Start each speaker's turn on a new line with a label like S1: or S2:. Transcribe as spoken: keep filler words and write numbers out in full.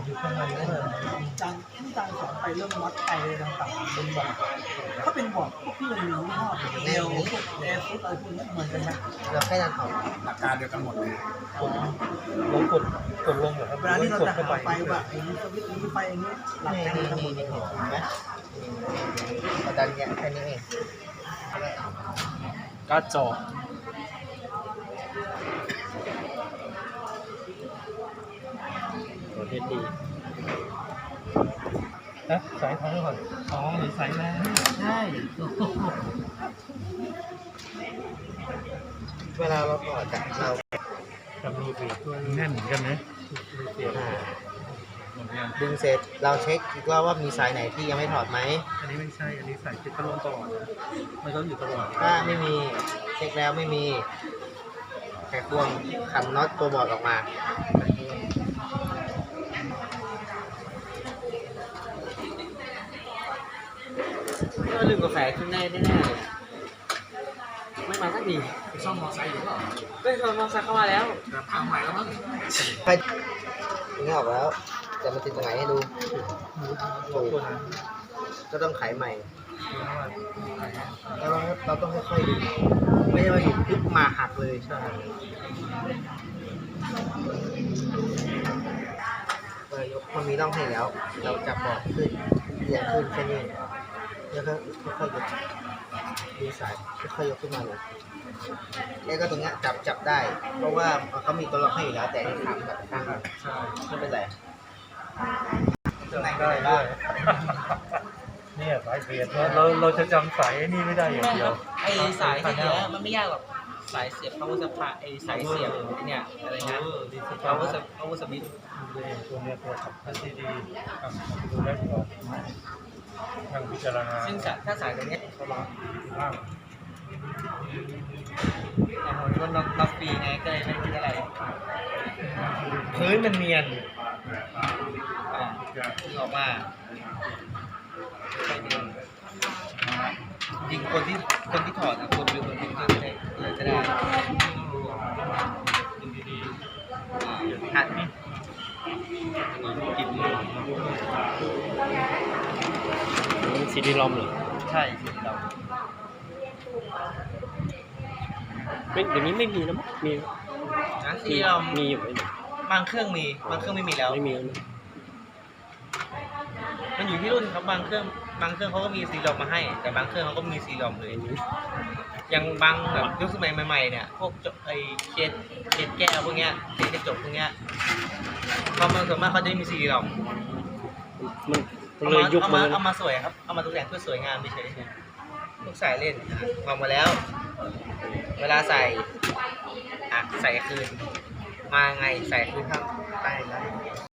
S1: อยู่ข้างในนั่นเลยจางที่จางสอนไปเรื่องวัดไฟต่างๆบนบอร์ดถ้าเป็นบอร์ดพวกที่มันมียี่ห้อเร็วพวกแอร์ฟุตอะไรพวกนี้เหมือนกันไหม
S2: เราแค่ดันออก
S3: หลักการเดียวกันหมดเลย
S1: ลงกดกดลงเหรอครับเวลาที่เราจะหาไฟว่าไอ้นี้สวิตช์นี้ไฟอันนี้หลัก
S2: นี่
S1: การ
S2: นี่
S1: ทั้งหม
S2: นี่
S1: ด
S2: นี่เห็นไหมเราดันเนี่ยแค่นี้เอง
S4: การ์ดจอตัวเทสดี
S1: นะสายท้องก่อนอ๋อหรือสายแรงใช่
S2: เวลาเราถอดจากเรา
S1: จะมีเบรกด้วยแน่นเหมือนกันนะมีเสียง
S2: อ่าดึงเสร็จเราเช็คอีกรอบว่ามีสายไหนที่ยังไม่ถอดไหม
S1: อันนี้ไม่ใช่อันนี้สายติดตลอดตลอดนะมันก็อยู่ตลอด
S2: ถ้าไม่มีเช็คแล้วไม่มีแค่ควงขันน็อตตัวบอร์ดออกมาก็ลืมกาแฟขึ้นได้แน่ๆเลยไม่มาสักที
S3: ซ่อมมอไซค์อยู่หรอ
S2: เฮ้ยมอไซค์เข้ามาแล้ว
S3: แต่พังใหม่แล้วมั้ง
S2: ไปถึงออกแล้วจะมาติดตรงไหนให้ดู
S1: ตัวตัวนั้น
S2: ก็ต้องไขใหม่แล้วเราต้องค่อยๆดูไม่ใช่ว่าอยู่ปุ๊บมาหักเลยใช่เออยกมันมีร่องให้แล้ว เราจับบอร์ดขึ้นเอียงขึ้นแค่นี้แล้วก็ค่อยๆยกดูสายค่อยๆยกขึ้นมาเลยแล้วก็ตรงเนี้ยจับจับได้ เพราะว่าเขามีตัวล็อกให้อยู่แล้วแต่ที่ทำกับข้างใช่ไม่เป็นไรตรงไหนก็ได้บ้าง
S1: เนี่ยสายเบรกเราเราจะจำสายนี่ไม่ได้อย่างเดียว
S5: ไอสายที่เนี้ยมันไม่ยากหรอกสายเสียบ power supply ไอสายเสียบไอเนี่ยอะไรนะ power sup- power switch
S1: ตัวเนี้ยตัวสำคัญที่ดีดูได้ก่อนทางพิจารณา
S5: ซึ่งสายถ้าสายตัวเนี้ย
S1: เขาล็อกล่าง
S5: แต่ผมก็ล็อกล็อกฟรีไงก็เลยไม่คิดอะไรพื้นมันเนียนอ่าดึงออกมาค่อยดึงจริงคนที่คนที่ถอดอะคนหรือคนที่ก็ได้เลยก็ได้หัดนี่กิน
S4: นี่ซีดีลอมเหรอ
S5: ใช่สิเรา
S4: ไม่เดี๋ยวนี้ไม่มีแล้วมั้งมี
S5: นะที่เรา
S4: มีอยู่
S5: บางเครื่องมีบางเครื่องไม่มีแล้ว
S4: ไม่มีแล้วนะ
S5: มันอยู่ที่รุ่นครับบางเครื่องบางเครื่องเขาก็มีซีรอมมาให้ แต่บางเครื่องเขาก็มีซีรอมเลยอย่างบางแบบยุคสมัยใหม่ๆเนี่ยพวกไอ้เคสเคสแก้วพวกเนี้ยเคสกระจกพวกเนี้ยเขามาส่วนมากเขาจะไม่มีซีรอม
S4: มัน
S5: เอา
S4: เลย
S5: มา
S4: ยุค
S5: เอา
S4: มั
S5: มาน เอามาสวยครับเอามาตกแต่งเพื่อสวยงามเฉยๆลูกสายเล่นอ่ะวางมาแล้ว เวลาใส่อ่ะใส่คืนมาไงใส่คืนข้างใต้แล้ว